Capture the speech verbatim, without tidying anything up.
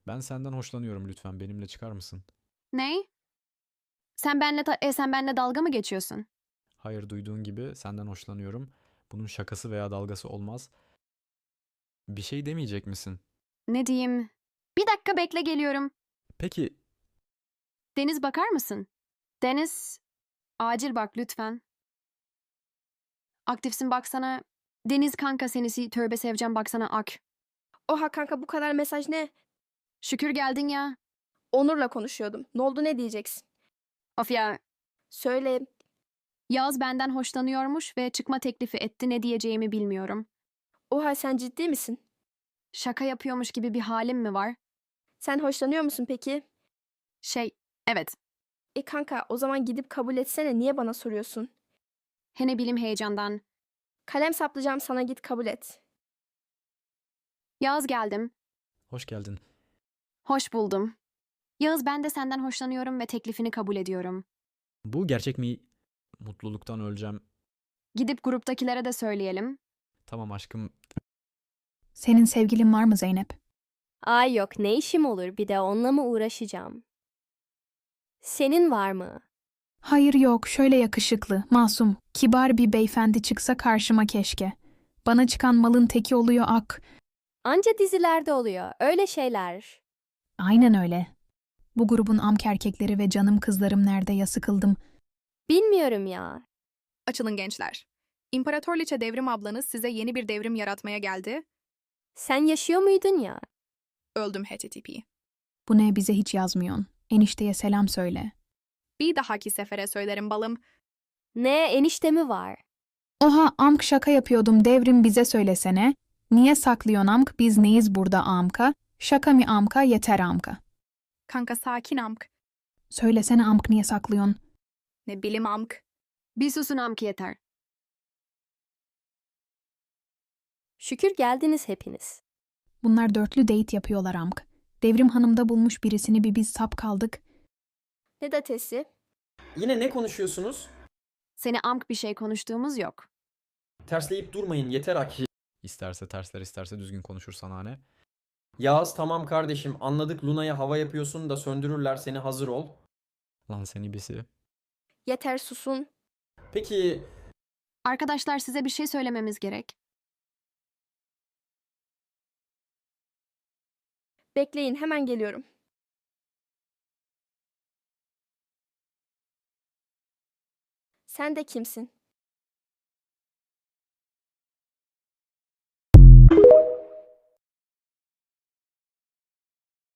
Ben senden hoşlanıyorum, lütfen benimle çıkar mısın? Ney? Sen benle ta- e, sen benle dalga mı geçiyorsun? Hayır, duyduğun gibi senden hoşlanıyorum. Bunun şakası veya dalgası olmaz. Bir şey demeyecek misin? Ne diyeyim? Bir dakika bekle geliyorum. Peki, Deniz bakar mısın? Deniz, acil bak lütfen. Aktifsin baksana. Deniz kanka senisi tövbe seveceğim baksana ak. Oha kanka bu kadar mesaj ne? Şükür geldin ya. Onur'la konuşuyordum. Ne oldu ne diyeceksin? Of ya. Söyle. Yağız benden hoşlanıyormuş ve çıkma teklifi etti, ne diyeceğimi bilmiyorum. Oha sen ciddi misin? Şaka yapıyormuş gibi bir halim mi var? Sen hoşlanıyor musun peki? Şey, evet. E kanka o zaman gidip kabul etsene, niye bana soruyorsun? He ne bileyim heyecandan. Kalem saplayacağım sana, git kabul et. Yağız geldim. hoş geldin. Hoş buldum. Yağız ben de senden hoşlanıyorum ve teklifini kabul ediyorum. Bu gerçek mi? Mutluluktan öleceğim. Gidip gruptakilere de söyleyelim. Tamam aşkım. Senin sevgilin var mı Zeynep? Ay yok, ne işim olur, bir de onunla mı uğraşacağım? Senin var mı? Hayır yok, şöyle yakışıklı, masum, kibar bir beyefendi çıksa karşıma keşke. Bana çıkan malın teki oluyor ak. Anca dizilerde oluyor öyle şeyler. Aynen öyle. Bu grubun amk erkekleri ve canım kızlarım nerede ya, sıkıldım. Bilmiyorum ya. Açılın gençler. İmparatorliçe Devrim ablanız size yeni bir devrim yaratmaya geldi. Sen yaşıyor muydun ya? Öldüm H T T P. Bu ne, bize hiç yazmıyorsun. Enişteye selam söyle. Bir dahaki sefere söylerim balım. Ne, enişte mi var? Oha, amk şaka yapıyordum, devrim bize söylesene. Niye saklıyorsun amk, biz neyiz burada amka? Şaka mı amka, yeter amka. Kanka sakin amk. Söylesene amk, niye saklıyorsun? Ne bilim amk. Bir susun amki yeter. Şükür geldiniz hepiniz. Bunlar dörtlü date yapıyorlar amk. Devrim hanımda bulmuş birisini, bir biz sap kaldık. Ne datesi? Yine ne konuşuyorsunuz? Seni amk bir şey konuştuğumuz yok. Tersleyip durmayın yeter Aki. İsterse tersler, isterse düzgün konuşur sana ne? Yağız tamam kardeşim, anladık, Luna'ya hava yapıyorsun da söndürürler seni, hazır ol. Lan seni bisi. Yeter susun. Peki Arkadaşlar size bir şey söylememiz gerek. Bekleyin, hemen geliyorum. Sen de kimsin?